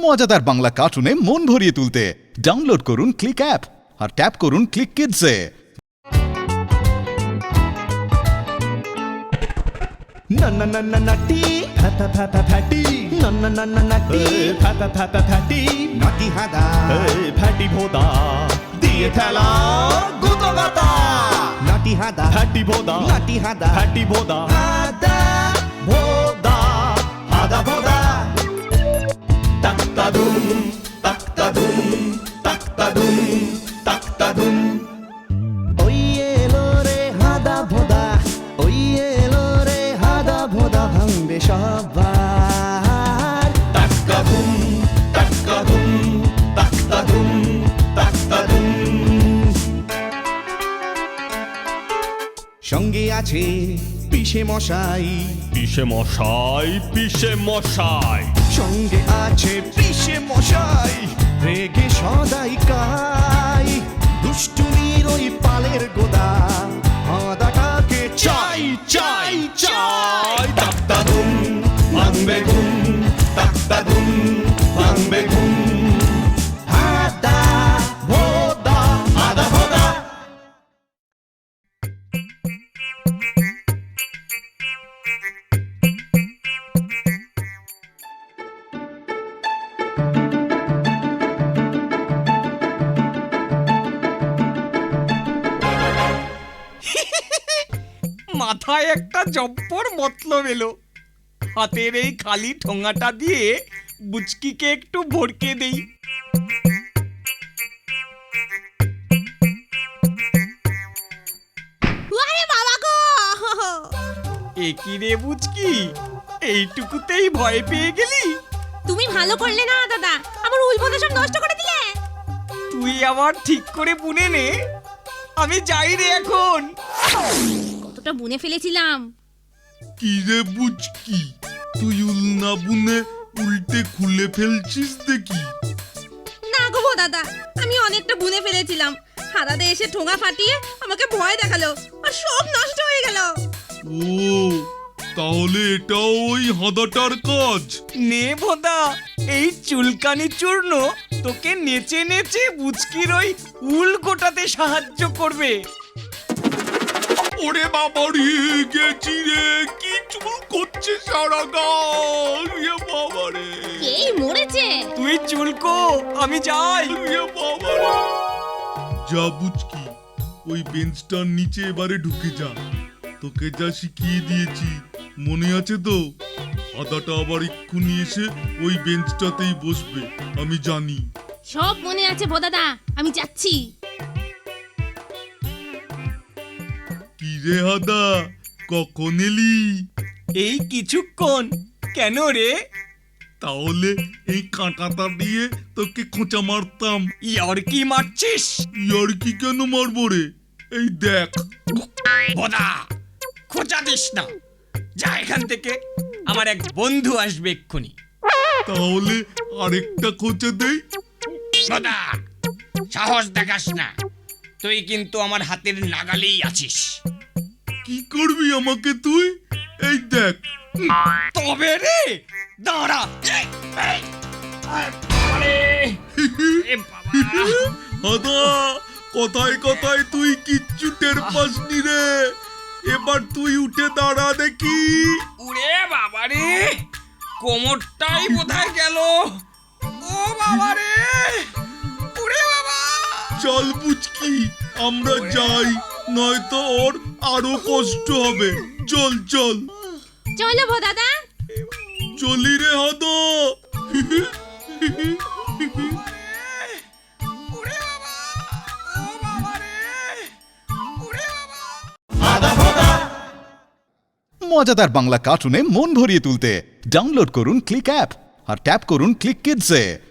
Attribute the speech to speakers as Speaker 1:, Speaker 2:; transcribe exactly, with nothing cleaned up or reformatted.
Speaker 1: মজাদার বাংলা কার্টুনে মন ভরিয়ে তুলতে ডাউনলোড করুন ক্লিক অ্যাপ আর ট্যাপ করুন ক্লিক কিডসে।
Speaker 2: नन्ना नन्ना नट्टी फैता फैता फैटी नन्ना नन्ना नट्टी फैता फैता फैटी नट्टी हादा फैटी भोदा दिए थैला गुतो गाता नट्टी हादा फैटी भोदा नट्टी हादा फैटी भोदा हादा भोदा हादा भोदा तक्ता दुम तक्ता दुम तक्ता दुम तक्ता दुम ओये लो रे हादा भोदा ओये সবার তাক্কাদুম তাক্কাদুম তাক্কাদুম তাক্কাদুম সঙ্গে আছে পিসে মশাই
Speaker 3: পিসে মশাই পিসে মশাই
Speaker 2: সঙ্গে আছে পিসে মশাই রেগে সদাই কাই দুষ্টুমির ওই পালের গোদা হাদাটাকে চাই চাই চাই তাক্তাদুম ভাঙবে ঘুম তাক্তাদুম ভাঙবে ঘুম হাদা ভোদা হাদা ভোদা
Speaker 4: মাথায় একটা জব্বর মতলব এলো। হাতের এই খালি ঠোঙাটা দিয়ে বুচকিকে একটু ভরকে দেই।
Speaker 5: ওরে বাবা গো!
Speaker 4: এ কি রে বুচকি, এইটুকুতেই ভয় পেয়ে গেলি?
Speaker 5: তুমি ভালো করলে না দাদা, আমার উলবোধা সব নষ্ট করে দিলে।
Speaker 4: তুই আবার ঠিক করে বুনে নে, আমি যাই রে এখন।
Speaker 5: কতটা বুনে ফেলেছিলাম।
Speaker 6: কি রে বুচকি, তুই উল না বুনে উল্টে খুলে ফেলছিস দেখি।
Speaker 5: না গো দাদা, আমি অনেকটা বুনে ফেলেছিলাম। হাদাদে এসে ঠোঙা ফাটিয়ে আমাকে ভয় দেখালো আর সব নষ্ট হয়ে গেল।
Speaker 6: ও, তাহলে এটাও ওই হাদাটার কাজ।
Speaker 4: নে ভোদা, এই চুলকানি চূর্ণ তোকে নেচে নেচে বুচকির ওই উল গোটাতে সাহায্য করবে।
Speaker 6: ওরে বাবা রে, গেছি রে, কি চুল করছে সারা গাল। এ বাবা রে,
Speaker 5: এই মরেছে।
Speaker 4: তুই চুলকো, আমি যাই।
Speaker 6: এ বাবা রে। যা বুচকি, ওই বেঞ্চটার নিচে এবারে ঢুকে যা। তোকে যা শিখিয়ে দিয়েছি মনে আছে তো? হাদাটা আবার এক্ষুনি এসে ওই বেঞ্চটাতেই বসবে, আমি জানি।
Speaker 5: সব মনে আছে দাদা, আমি যাচ্ছি।
Speaker 6: কি রে হাদা, কখন এলি?
Speaker 4: এই কিছুক্ষণ। কেন রে?
Speaker 6: তাহলে এই কাঁটাটা দিয়ে তোকে খোঁচা মারতাম।
Speaker 4: ইয়ার কি মারছিস?
Speaker 6: ইয়ার কি কেন মারবো রে? এই দেখ।
Speaker 4: ভোদা, খোঁচা দিস না, যা এখান থেকে, আমার এক বন্ধু আসবে এক্ষুনি।
Speaker 6: তাহলে আরেকটা খোঁচা দেই।
Speaker 4: ভোদা, সাহস দেখাস না, তুই কিন্তু আমার হাতের নাগালেই আছিস।
Speaker 6: কি করবি আমাকে তুই? এই দেখ।
Speaker 4: তবে রে, দাঁড়া। এই, এই, আরে, এ বাবা।
Speaker 6: হাদা, কথায় কথায় তুই কিচ্ছু টের পাসনি রে। এবার তুই উঠে দাঁড়া দেখি।
Speaker 4: উড়ে বাবা রে, কোমরটাই বোধহয় গেল। ও বাবা রে, উড়ে বাবা।
Speaker 6: চল বুচকি, আমরা যাই, নয়তো ওর আরো কষ্ট হবে। চল চল
Speaker 5: চলো দাদা।
Speaker 6: চলি রে হাদা।
Speaker 4: উড়ে বাবা, ও বাবা রে, উড়ে বাবা।
Speaker 1: মজাদার বাংলা কার্টুনে মন ভরিয়ে তুলতে ডাউনলোড করুন ক্লিক অ্যাপ আর ট্যাপ করুন ক্লিক কিডসে।